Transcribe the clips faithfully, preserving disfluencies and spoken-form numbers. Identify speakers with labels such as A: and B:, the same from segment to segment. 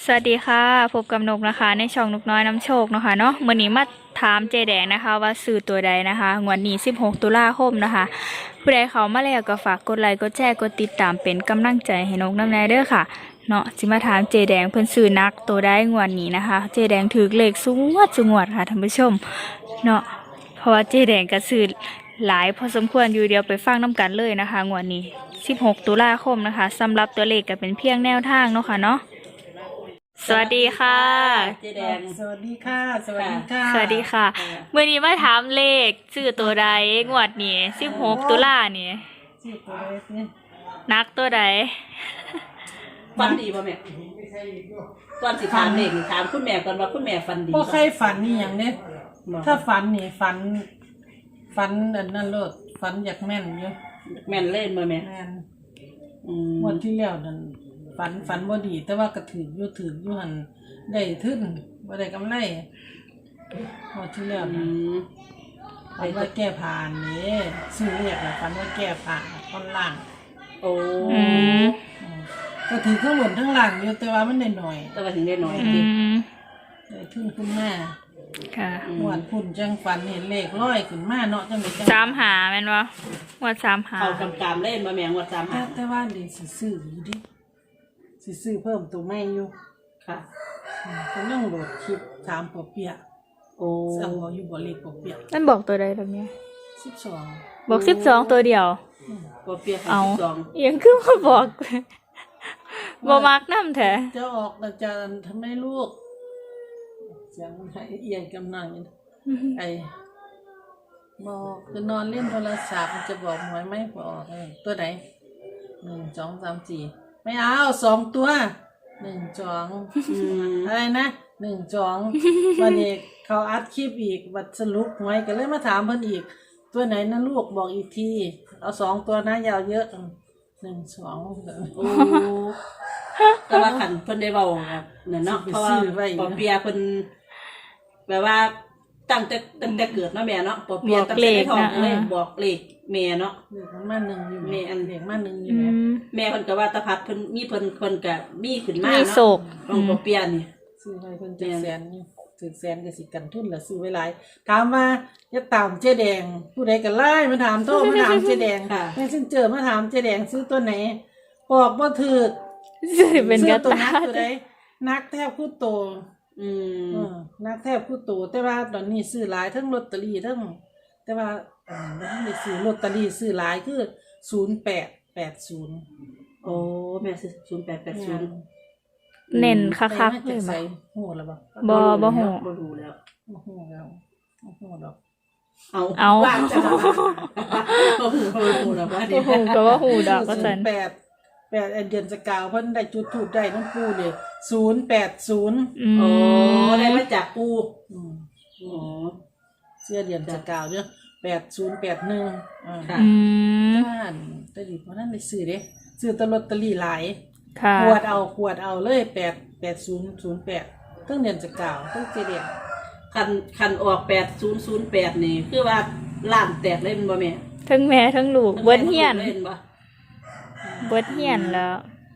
A: สวัสดีค่ะพบกับนกนะคะในช่องนกน้อยน้ำโชคเนาะค่ะเนาะมื้อนี้มาถามเจแดงนะคะว่าซื้อตัวใดนะคะงวดนี้สิบหกตุลาคมนะคะผู้ใดเข้ามาแล้วก็ฝากกดไลค์กดแชร์กดติดตามเป็นกำลังใจให้นกน้ำแน่เด้อค่ะเนาะสิมาถามเจแดงเพิ่นซื้อนักตัวใดงวดนี้นะคะเจแดงถือเลขสูงวัดสูงวดค่ะท่านผู้ชมเนาะเพราะว่าเจแดงก็ซื้อหลายพอสมควรอยู่เดียวไปฟังน้ำกันเลยนะคะงวดนี้สิบหกตุลาคมนะคะสำหรับตัวเลขก็เป็นเพียงแนวทางเนาะค่ะเนาะสวัสดีค่ะ
B: เจ๊แดง
C: สวัสดีค่ะ สวัสดีค่ะ
A: สวัสดีค่ะเมื่อนี้มาถามเลขชื่อตัวใดงวดนี้สิบหกตุลานี่
C: ชื่อตัวเล็กนี่
A: นักตัวใด
B: ฟันดีป่ะแม่ก่อนสิถามเด็กถามคุณแม่ก่อนว่าคุณแม่ฟันดี
C: พวกใครฝันนี่อย่างเนี้ยถ้าฝันนี่ฝัน ฝันอันนั้นเลิศฝันอยากแม่นอยู่
B: แม่นเล่นมาแม่
C: แม่น
B: อืม
C: วันที่แล้วนั่นฝันฝันบ่ดี แต่ว่าก็ถืออยู่ถืออยู่หันได้ทึ้นบ่ได้กำไรวันที่แล้ว
B: อื
C: นั่น
B: ม
C: ฝันว่าแก้ผ่านนี่ซื้อเรียกนะฝันว่าแก้ผ่านตอนล่าง
B: โอ้
A: อืม
C: อืมก็ถือข้างบนทั้งล่างอยู่แต่ว่ามันได้หน่อย
B: แต่ว่าถึงได้น้อย
A: อืม
C: ได้ทึ้นขึ้นมา
A: ค่ะ
C: หวดพุ่นจังฝันเห็นเลขร้อยขึ้นมาเนาะจังได๋จัง
A: สามหาแม่นวะงวดสามหา
B: เขากำกามเล่นมาแม่งวัดสาม
C: แต่
B: หา
C: แต่ว่าเดี๋ยวสิซื้ออยู่ดิสิซื้อเพิ่มตัวใหม่อยู่
B: ค่ะ
C: อืมกำลังโหลดคลิปถามปอเปียะ
B: โอ้
C: สั่งเอาอยู่บ่เลขปอเปียะ
A: นั่นบอกตัวใดแบบนี้
C: สิบสอง
A: บอกสิบสองตัวเดียว
B: ปอเปียก
A: เอา
B: สิบสอง
A: เอียังคือมาบอก บ่มักน้ำแท้
C: จะออกแล้วจะทำให้ลูกเสียงมันให้เอียงกำนังอยู่ไอ้บอกคือนอนเล่นโทรศัพท์มันจะบอกหวยไหมบอกเออตัวไหนหนึ่งสองสามสี่ไม่เอาสองตัวหนึ่งสอง
B: อืม
C: อะไรนะหนึ่งสองวันนี้เขาอัดคลิปอีกวัดสรุปหวยก็เลยมาถามเพิ่นอีก ตัวไหนนะลูกบอกอีกทีเอาสองตัวนะอยาวเยอะหนึ่งสอง
B: โอ้แต่ว่าขันเพิ่นได้เบาครับเนี่ยเนาะเพราะว่าปอเปียเพิ่นแบบว่าตั้งแต่ตั้งแต่เกิดเนาะแม่เนาะปอเปียตั้งแต่ในท้องเลยบอกเลขแม่เนาะ
C: เด็กมันมาหนึ่งอยู่
B: แม่อัน
C: เด็กมาหนึ่งอ
A: อื
C: ยู่ไหม
A: ม
B: แม่เพิ่นก็ว่าตะพัดเพิ่นมีเพิ่นเพิ่นก็มีขึ้นมา
A: มี
B: เนาะ
A: โศก
B: ของปอเปียนี่
C: ซื้อไว้เพิ่นจะแสนอยู่ถือแสนก็สิกันทุนละซื้อไว้หลายถามว่าจะตามเจ๊แดง ผู้ใดก็ไล่มาถามโทรมาถามเจ๊แดง
B: ค่ะ
C: แม่ฉันเจอมาถามเจ๊แดงซื้อตัวไหนบอกบ่ถูก
A: จะเป็น
C: ซื้
A: ก
C: อ
A: ระ
C: ตัว
A: ตา
C: นักตัวใดนักแทบคู่โต
B: อืม
C: เออนักแทบคู่โตแต่ว่าตอนนี้ซื้อหลายทั้งลอตเตอรี่ทั้งแต่ว่าเอ่อบ่ทันได้ซื้อลอตเตอรี่ซื้อหลายคือศูนย์แปดแปดศูนย์
B: โอ้แม่ซื้อศูนย์แปดแปดศูนย์
A: เน้นคั
C: ใส่
A: ก
C: มา
A: ๆเล
C: จาก
A: ย
C: ใส่
A: บ่
C: หูแล้วบ่
A: บ่บ่ฮู้
B: บ่รู้แล้ว
C: บ่หูแล้วบ่หูดอก
B: เอา
A: เอา
B: ว่างจังบ่ฮู้บ่รู้แล้วว่าดิ
A: โอ้โหก็ว่าหูดอกก็สัน
C: แปดแปดเดือนสกาวเพิ่นได้จุดถูกได้น้ำปูเลยศูนย์แปดศูนย์
A: อื
B: โอ้
A: ม
B: ได้มาจากปู
C: อืม
B: อ๋อ
C: เสื้อเดือนสกาวเด้อแปดศูนย์แปดหนึ่งอ่า
B: ค่ะ
A: อืม
C: บ้านแต่ดิเพราะนั้นได้ซื้อเด้ซื้อแตลอตเตอรี่หลาย
A: ค่ะ
C: ขวดเอาขวดเอาเลยแปดแปดศูนย์ศูนย์แปดตั้งเดือนสกาวตั้งเจเดียน
B: คันคันออกแปดศูนย์ศูนย์แปดนี่คือว่าล้านแตกเลยแม่นบ่แม่
A: ทั้งแม่ทั้งลูกเบิดเฮียน
B: เล่นบ่
A: เบิดเฮียนแล้ว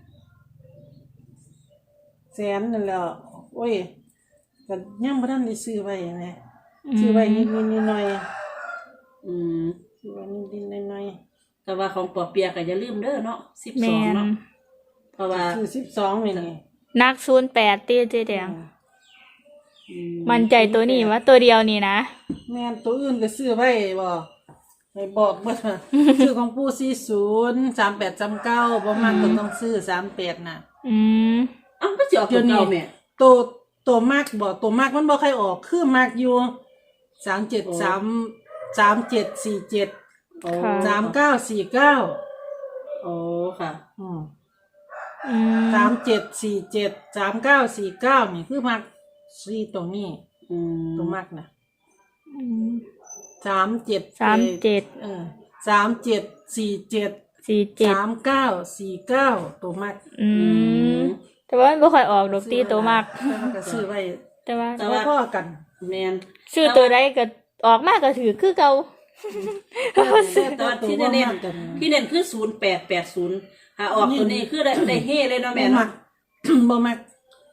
C: แสนนั่นแหละโอ้ยก็ยังบ่ทันได้ซื้อไว้แหมซื้อไว้นิดๆหน่อย
B: อืม
C: ๆซื้อไว้นิดๆหน่อย
B: แต่ว่าของปอเปียก็อย่าลืมเด้อเนาะสิบส
A: แม่
B: อง
A: น
B: เนาะเพราะว่า
C: ๆซื้อสิบสองนี่นี่
A: นักศูนย์แปดตีเจแดง
B: อื
A: มันใจตัวนี้ว่าตัวเดียวนี่นะ
C: แม่นตัวอื่นก็ซื้อไว้บ่ให้บอกเบิดว่า ซื้อของปู่สี่สิบ สามแปด สามเก้าบ่มักก็ต้องซื้อสามแปดน่ะ
A: อืม
B: เอ้าก็สิออกตัวเก่าแม่
C: ตัวตัวมากบ่ตัวมากมันบ่ค่อยออกคือมากอยู่สามเจ็ด สาม สามเจ็ด สี่เจ็ด
B: โอ้
C: สามเก้า สี่เก้า
B: โอ้ค่ะ
C: อืม
A: อืม
C: สามเจ็ด สี่เจ็ด สามเก้า สี่เก้านี่คือมากสี่ตรงนี้
B: อืม
C: ตัวมากน่ะ
A: อืม
C: สามเจ็ด
A: สามเจ็ด
C: เออสามเจ็ด สี่เจ็ด
A: สี่เจ็ด
C: สามเก้า สี่เก้าตัวมาก
A: อืมแต่ว่ามันบ่ค่อยออกดอกตีตัวมาก
C: แต่ว่าก็ซื้อไว้
A: แต่ว่า
C: แต่ว่าพ่อกัน
B: แม่น
A: ชื่อตัวใดก็ออกมากก็ถือคือเก่า
B: แต่ว่าที่เน้นๆที่เน้นคือศูนย์แปดแปดศูนย์หาออกตัวนี้คือได้ได้เฮเลยเนาะแม่
C: บ่มั
B: เนาะ
C: ก บ่มัก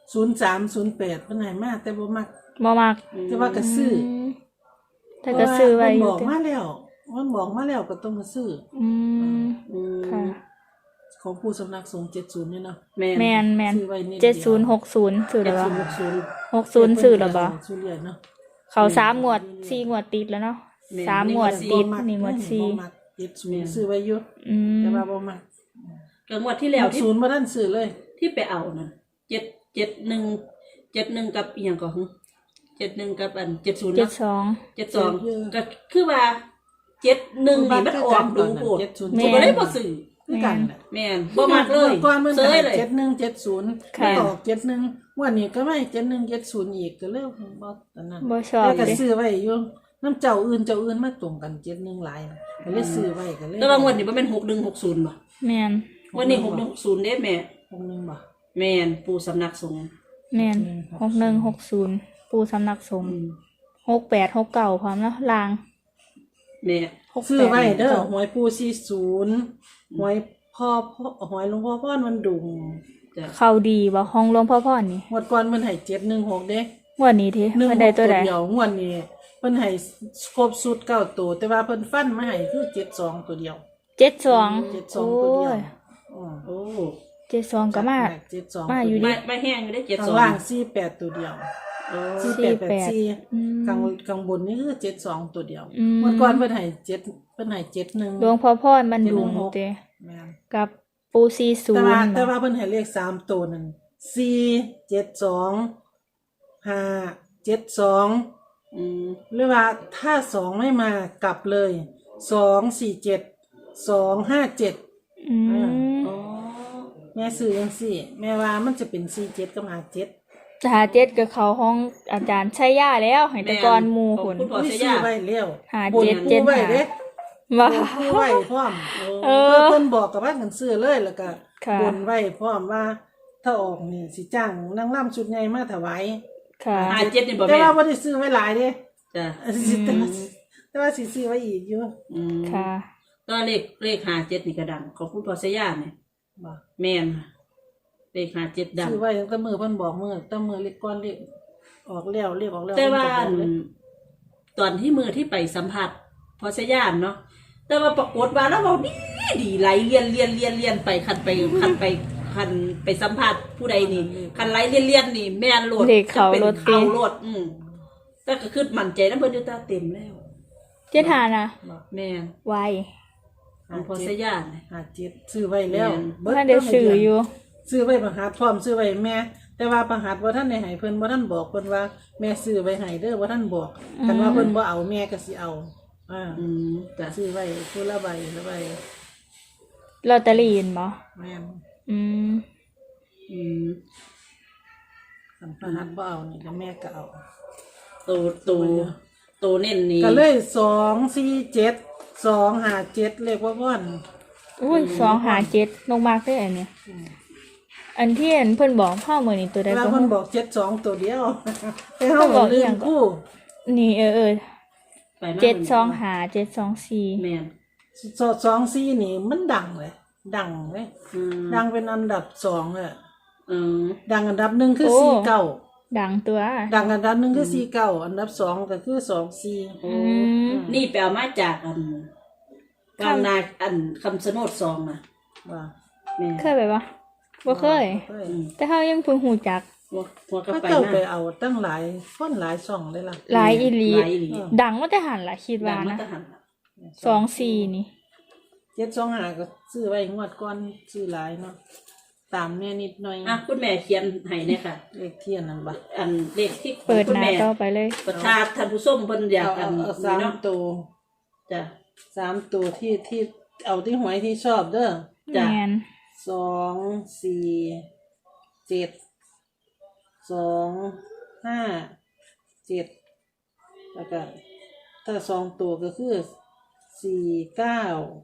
C: ศูนย์สามศูนย์แปดเพิ่นให้มาแต่บ่มัก
A: บ่มัก
C: แต่ว่าก็ซื้อ
A: มแต่ก็ซื้อไว้อ
C: มันบ
A: ยู่
C: อก
A: ติ
C: มาแล้วมันบอกมาแล้วก็ต้องมาซื้อ
A: อืม
B: อืม
A: ค่ะ
C: ของผู้สำนักสงฆ์เจ็ดสิบนี่เนาะ
B: แม่น
A: แม่นแม่น
C: ซื้อไว้นิด
A: เจ็ดศูนย์หกศูนย์ซื้อ
B: เจ็
A: แล้
B: ด
A: วบ่
B: ศูนย์หกศูนย์
A: หกศูนย์ซื้อแล้วบ่
C: ซื้อเรียนเนาะ
A: เขาสามงวดสี่งวดติดแล้วเนาะ
B: แม่น
A: สามงวดติดนี่งวดสี่
C: บ่มักเจ็ดศูนย์ซื้อไว้อยู่
A: อืม
C: แต่ว่าบ่มัก
B: ก็งวดที่แล้วที่
C: ศูนย์บ่ทันซื้อเลย
B: ที่ไปเอานั่นเจ็ดเจ็ดหนึ่งเจ็ดหนึ่งกับอีหยังก็หึเจ็ดหนึ่งกับอันเจ็ดศูนย์
A: เจ็ด
B: เนาะ
A: สอง
B: เจ็ดสองก็คือว่าเจ็ดหนึ่งนี่มันออกดูโพด
C: เจ็ดศูนย์
A: แม่
B: ผมก็เลยบ่ซื้อ
C: คือกันน่ะ
B: แม่นบ่มักเลย
C: ก่อนมัน
B: เซยเลย
C: เจ็ดหนึ่งเจ็ดศูนย์
A: ค่ะ
C: ออกเจ็ดหนึ่งวันนี้ก็ไม่เจ็ดหนึ่งเจ็ดศูนย์อีกก็เลิกบ่ตอนนั้น
A: บ่ชอบ
C: แล้วก็
A: เด้
C: ซื้อไว้อยู่น้ำเจ้าอื่นเจ้าอื่นมาตรงกันเจ็ดหนึ่งหลายนะก็เลยซื้อไว้ก็เลย
B: แต่ว่างวดนี้บ่แม่นหกหนึ่งหกศูนย์บ่
A: แม่น
B: วันนี้หกหนึ่งหกศูนย์เด้แม่
C: หกหนึ่งบ่
B: แม่นปู่สำนักสงฆ์
A: แม่นหกหนึ่งหกศูนย์ปูสำนักสงฆ์หกแปดหกเก้าพร้อมเนาะลาง
B: แม่
A: หกแปด
C: ซื้อไว้เด้อ
A: หก
C: หวยปูสี่ศูนย์หวยพ่อพ่อหวยหลวงพ่อพ่อนมันดุง
B: จ้ะ
A: เข้าดีบ่ห้องหลวงพ่อพ่อนี่
C: งวดก่อนมันให้เจ็ดหนึ่งหกเด้
A: งวดนี้ที
C: หนึ่ง
A: เพิ่น
C: ห
A: ได้
C: ก
A: ตั
C: ตัว ว
A: ใด
C: เดียวงวดนี้เพิ่นให้ครบสุดเก้าตัวแต่ว่าเพิ่นฟันมาให้คือเจ็ดสองตัวเดียว
A: เจ็ดสอง
C: เจ็ดสองตัวเดียวอืม
B: โอ้
A: เจ็ดสองก็มา
C: เจ็ดสอง
A: มาอยู่
B: ไม่ไม่แห้งอยู่ได้เจ็ด
C: ข้า
B: ส
C: ง
B: อง
C: ล่างสี่แปดตัวเดียว
B: โอ้
C: สี่
A: สี่
C: แปด
A: แป
C: แป
A: ด
C: ดสี่
A: อืม
C: ข้างข้างบนนี่คือเจ็ดสองตัวเดียว
A: อืม
C: เมื่อก่อนเพิ่นให้เจ็ดเพิ่นให้เจ็ดหนึ่ง
A: หลวงพ่อพ่อมันดุง
C: เจ็ดหนึ่งหก
A: เต
C: แม่น
A: กับปูซีศู
C: แต่
A: น
C: ว่า
A: ย์
C: แต่ว่าเพิ่นให้เลขสามตัวนั่นสี่เจ็ดสองห้าเจ็ดสอง
B: อืม
C: หรือว่าถ้าสองไม่มากลับเลยสองสี่เจ็ดสองห้าเจ็ด
A: อืม
B: อ๋อ
C: แม่ซื้อยังสี่ แม่ว่ามันจะเป็นสี่เจ็ดกับห้าเจ็ด
A: หาเจ็ดกับเขาห้องอาจารย์ชัยยาแล้วให้แตะกอนหมู่ผล
B: คุณพ่อ
C: อุ้ย
B: เสีย
C: ซื้อย
B: า
C: ไว้แล้ว
A: หา
C: บน
A: เจ็ด
C: ปู
A: เจ็ด
C: ไว้
A: หา
C: เด้
A: ว่า
C: บนปูไว้พร้อม
A: เออ
C: เพิ่นบอกกับว่ากันซื้อเลยแล้วก็
A: ค่ะ
C: บนไว้พร้อมว่า ถ้าออกนี่สิจ้างนางร่ำชุดใหญ่มาถวาย
A: ค่ะ
B: หาเจ็ดนี่บ่
C: แต่
B: แม่
C: ว่าบ่ได้ซื้อไว้หลายเด้
B: จ้ะ
C: แต่ว่าแต่ว่าสิซื้อไว้อีกอยู่
B: อืม
A: ค่ะ
B: ก็เลขเลขหาเจ็ดนี่ก็ดังของคุณพ่อเสียยาเนี่ย
C: บ่
B: แม่นเลขหาเจ็ดดัง
C: ซื้อไว้ตั้งแต่มือเพิ่นบอกมือตั้งมือเล็กก้อนเล็กออกแล้วเรียกออกแล้ว
B: แต่ว่า
C: เพิ่นก็บอกเลย
B: ตอนที่มือที่ไปสัมผัสพอเสียยานเนาะแต่ว่าปรากฏว่าแล้วเราดีดีไหลเลียนเลียนเลียนเลียนไปคันไปคันไปคันไปสัมผัสผู้ใดนี่คันไหลเลียนเลียนนี่แม่นโหลด
A: เลขเขา
B: จะเป็น
A: โลด
B: เขาโหลดอืมแต่ก็คือมั่นใจนะเพิ่นอยู่ตาเต็มแล้ว
A: เจ็ดหานะ
B: แม่น
A: ไว
B: ของพอเสียยานเนี่ย
C: หาเจ็ดซื้อไว้แล้ว
A: เพื่อนได้ซื้ออยู่
C: ซื้อไว้ประหัดพร้อมซื้อไว้แม่ แต่ว่าประหัดบ่ท่านได้ให้เพิ่นบ่ท่านบอกเพิ่นว่าแม่ซื้อไว้ให้เด้อบ่ท่านบอกคันว่าเพิ่นบ่เอาแม่ก็สิเอาอ่า
B: อืมจ้ะ
C: ซื้อไว้ผู้ละใบละใบ
A: ลอตเตอรี่เห็นบ่
C: แม่น
A: อืม
B: อืม
C: คันประหัดบ่เอานี่ก็แม่ก็เอา
B: โตโตโตเน้นนี่
C: ก็เลยสองสี่เจ็ด สองห้าเจ็ดเลขว่าบ่อน
A: อุ้ยสองหาเจ็ดลงมากได้อันเนี้ยอันที่เห็นเพิ่นบอกพ่อเหมือนนี่ตัวใด
C: แล้ว
A: ก็
C: เพิ่น
A: รู้
C: บอกเจ็ดสองตัวเดียวแต่
A: เพิ่
C: เฮาน
A: บอกอี
C: ลื
A: หยั
C: ม
A: งก่อน
C: คู่
A: นี่เออเออ
B: ไปมา
A: เจ็ดสองหาเจ็ดสองสี่
B: แม่น
C: สอดสองสี่นี่มันดังเลย ดังเลย
B: อืม
C: ดังเป็นอันดับสองเลย
B: อืม
C: ดังอันดับหนึ่งคือสี่เก้า
A: ดังตัว
C: ดังอันดับหนึ่งคือสี่เก้าอันดับสองก็คือสองสี่
B: โอ้
A: อืม
B: นี่ไปเอามาจากอันกลางนาอันคำสนดซองน่ะ
C: ว่า
B: แม่
A: เคยไปปะบ่เคย
C: เคย
B: อืม
A: แต่เขายังเพิ่งหูจัก
B: หัวหัวกระ
C: เขา
B: ไป
C: เจ้า
B: มา
C: ไปเอาตั้งหลายคนหลายช่องเลยล่ะ
A: หลายอีหลี
B: หลายอีหลี
A: ดังว่าแต่หันละคิด
B: ดั
A: ว่าง
B: มา
A: นะ
B: ตะหันล่ะ
A: สองสี่นี่
C: เจ็ดสองห้าก็ซื้อไว้งวดก่อนซื้อหลายเนาะตามแน่นิดหน่อย
B: อ่ะคุณแม่เขียนให้เนี่ยค่ะ
C: เลขเทียนนั่นบ่
B: อันเลขที่
A: เปิด
B: คุณ
A: หน้า
B: แม่
A: ต่อไปเลย
B: ประชาท่านผู้ส้มเพิ่นอยาก
C: เอา
B: อั
C: เอา
B: น
C: เอา
B: นี้
C: สาม
B: เนาะ
C: ตัว
B: จ้ะ
C: สามตัวที่ที่เอาที่หวยที่ชอบเด้อ
B: จ้ะ
A: แมน
C: สองสี่เจ็ดสองห้าเจ็ดแล้วก็ถ้าสองตัวก็คือสี่เก้า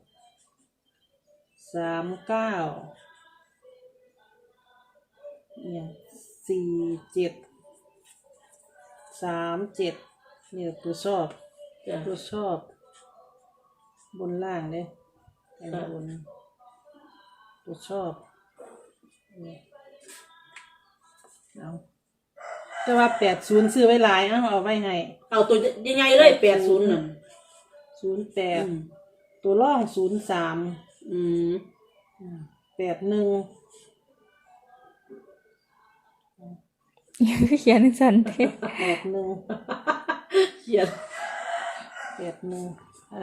C: สามเก้าเนี่ยสี่เจ็ดสามเจ็ดเนี่ยตัวชอบ
B: จ้ะ
C: ตัวชอบ บนล่างเนี่ยบนตัวชอบนี่เอาแต่ว่าแปดศูนย์ซื้อไว้หลายเอาเอาไว้ให้
B: เอาตัวยังไงเลยแปดศูนย์น่ะ
C: ศูนย์แปด
B: อืม
C: ตัวร่องศูนย์สาม
B: อืม
C: แปดหนึ่ง
A: เขียนสันเท
C: แปดหนึ่ง
B: เขียน
C: แปดหนึ่งอ่า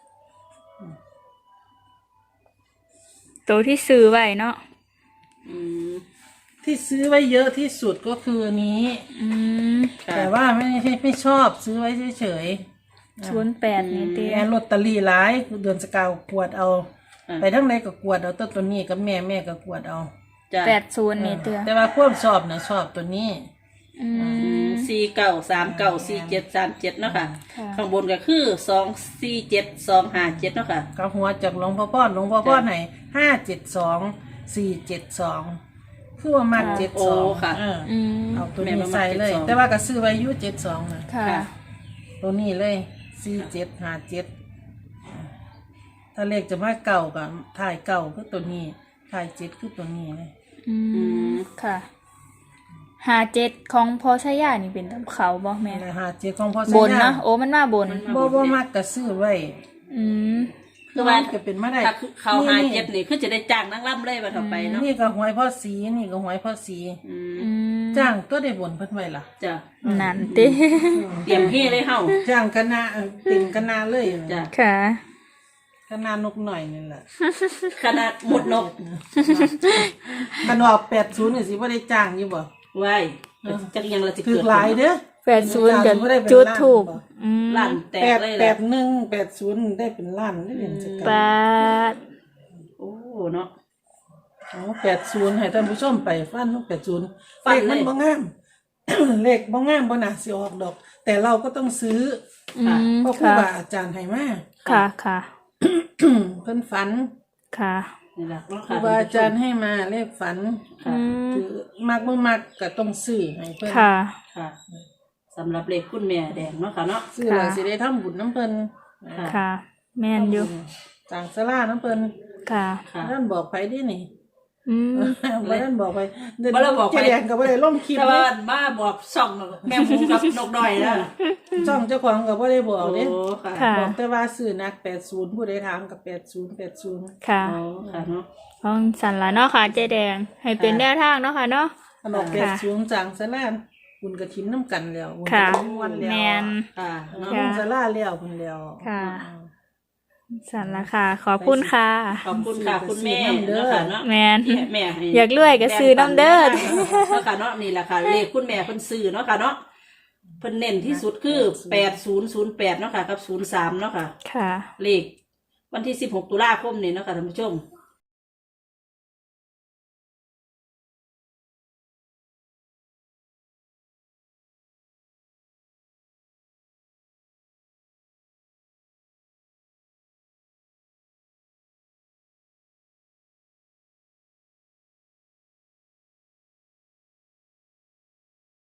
A: ตัวที่ซื้อไว้เนาะ
B: อืม
C: ที่ซื้อไว้เยอะที่สุดก็คืออันนี้
A: อืม
B: ค่ะ
C: แต่ว่าไม่ไม่ไม่ชอบซื้อไว้เฉย
A: ศูนย์แปดนี่เตี้
C: ๆ
A: ย
C: แอนลอตเตอรี่หลายเดือนสกาวกวดเอา
B: อ่ะ
C: ไปทั้งใดก็กวดเอาตัวตัวนี้กับแม่แม่ก็กวดเอา
B: จ้ะ
A: แปดศูนย์นี่เตี้ย
C: แต่ว่าความชอบนะชอบตัวนี้
A: อื
B: อื
A: ม
B: มสี่เก้าสามเก้าสี่เจ็ดสามเจ็ดเนาะค่ะ
A: ค่ะ
B: ข้างบนก็คือสองสี่เจ็ดสองห้าเจ็ดเนาะค่ะ
C: กับหัวจากหลวงพ่อป้อนหลวงพ่อป้อนไหนห้าเจ็ดสองสี่เจ็ดสองคือว่ามัดเจ็ด
B: โอ้
C: สอง
B: ค่ะ
A: อืม
C: เอาตัว
B: แม่
C: นี้
B: มามัด
C: ใส่เลย
B: เจ็ดสอง
C: แต่ว่าก็ซื้อไว้อยุเจ็ดสองนะ
A: ค่ะ
B: ค่ะ
C: ตัวนี้เลยสี่เจ็ดห้าเจ็ดถ้าเลขจะมาเก่ากับถ่ายเก่าคือตัวนี้ถ่ายเจ็ดคือตัวนี้เลย
A: อืม
B: ม
A: ค่ะหาเจ็ดของพอชายานี่เป็นตำเขาบ่แม่
C: แต่ห้าเจ็ดของพ่อบ
A: นนะโอ้มันมาบน
C: บ่บ่มักก็ซื้อไว้
A: อืม
B: คือว่า
C: ก็เป็นมาได้
B: ถ้าเขาหาเจ็ดนี่คือจะได้จ้างนักล่ำเลยมาต่อไปเนาะ
C: นี่ก็หวยพ่อสีนี่ก็หวยพ่อสี
B: อืม
A: อืม
C: จ้างตัวได้บนเพิ่นไว้ล่ะ
B: จ้ะ
A: นั่นติ
B: เตรียมเฮ่เลยเฮา
C: จ้างคณะเอ่อติ่งคณะเลย
B: จ้ะ
A: ค่ะ
C: คณะนกหน่อยนี่แหละ
B: ขนาดหมดนก
C: คันออกแปดศูนย์นี่สิบ่ได้จ้างอยู่บ่
B: ไว้จักยังละสิ
C: คือ
B: เกิด
C: หลายเด้อ
A: แปดศูนย์กับ
C: บ่ได้เป็น
A: จุด
C: ล้าน
A: ถูก
C: บ่
A: อืม
B: ลั่นแต
C: แป
B: ก
C: ด
B: เลย
C: แป
B: แหละ
C: ดหนึ่งแปดศูนย์ได้เป็นล้านได้เป็นจัก
A: แป
C: ร
A: ด
B: โอ้เนาะ
C: อ๋อแปดศูนย์ให้ท่านผู้ชมไปฟันแปดศูนย์
B: ฟั
C: เล
B: น
C: ข
B: เลย
C: มันบ่งาม เลขบ่งามบ่น่าสิออกดอก แต่เราก็ต้องซื้อ
A: อืม
C: เพราะครู
A: ค่ะ
C: บาอาจารย์ให้มา
A: ค่ะค่ะ
C: เพิ่นฝัน
A: ค่ะ
B: นี่แหละเนาะ
C: ครู
B: ค่ะ
C: บาอาจารย์ให้มาเลขฝัน
B: ค่ะ
A: อืม
C: คือมักบ่มักก็ต้องซื้อให้เพิ่น
A: ค่ะ
B: ค่ะสำหรับเลขคุณแม่แดงเนาะค่ะเนาะ
C: ซื้อแล้วสิได้ทำบุญน้ำเพิ่น
B: ค่ะ
A: ค่ะ แม่นอยู่
C: สั่งสลาน้ำเพิ่น
A: ค่ะ
B: ค่ะ
C: ท่านบอกไปดินี่
A: อืม
C: บ่ท่านบอกไปเดี๋ยว
B: บ่ได้บอกไป
C: เจ๊แดงก็บ่ได้ลงคลิป
B: แต่
C: เด้
B: ว่ามาบอกช่องแม่หมูกับนกน้อยนะ
C: ช่องเจ้าของก็บ่ได้บอก
B: โอ้
C: เด้
B: ค่ะ
A: ค่ะ
C: บอกแต่ว่าซื้อนักแปดสิบผู้ใดถามกับแปดสิบ แปดสิบ
A: ค่ะ
B: โอ้ค่ะเนาะ
A: ของสันละเนาะค่ะเจ๊แดง ให้เป็นแนวทางเนาะค่ะเนาะ
C: อันออกแป
A: ค่ะ
C: ดสิบสั่งสลาบุญกระถินน้ำกันแล้วบุญ
A: ค่ะ
C: กฐินวันแล้ว
A: แมน
B: ค่ะ
C: เออ
B: เนาะ
A: ค่ะ
C: บุญสลาแล้วพุ่นแล้ว
A: ค่ะ สันละค่ะ ขอบคุณค่ะ
B: ขอบคุณค่ะคุณแม่เนาะค่ะเนาะ
A: แมน
B: ที่แม่ให้
A: อยากรวยก็ซื้อน้ำเด้อ
B: เนาะค่ะเนาะนี่แหละค่ะเลขคุณแม่เพิ่นซื้อเนาะค่ะเนาะเพิ่นเน้นที่สุดคือแปดศูนย์ศูนย์แปดเนาะค่ะกับศูนย์สามเนาะค่ะ
A: ค่ะ
B: เลขวันที่สิบหกตุลาคมนี่เนาะค่ะท่านผู้ชม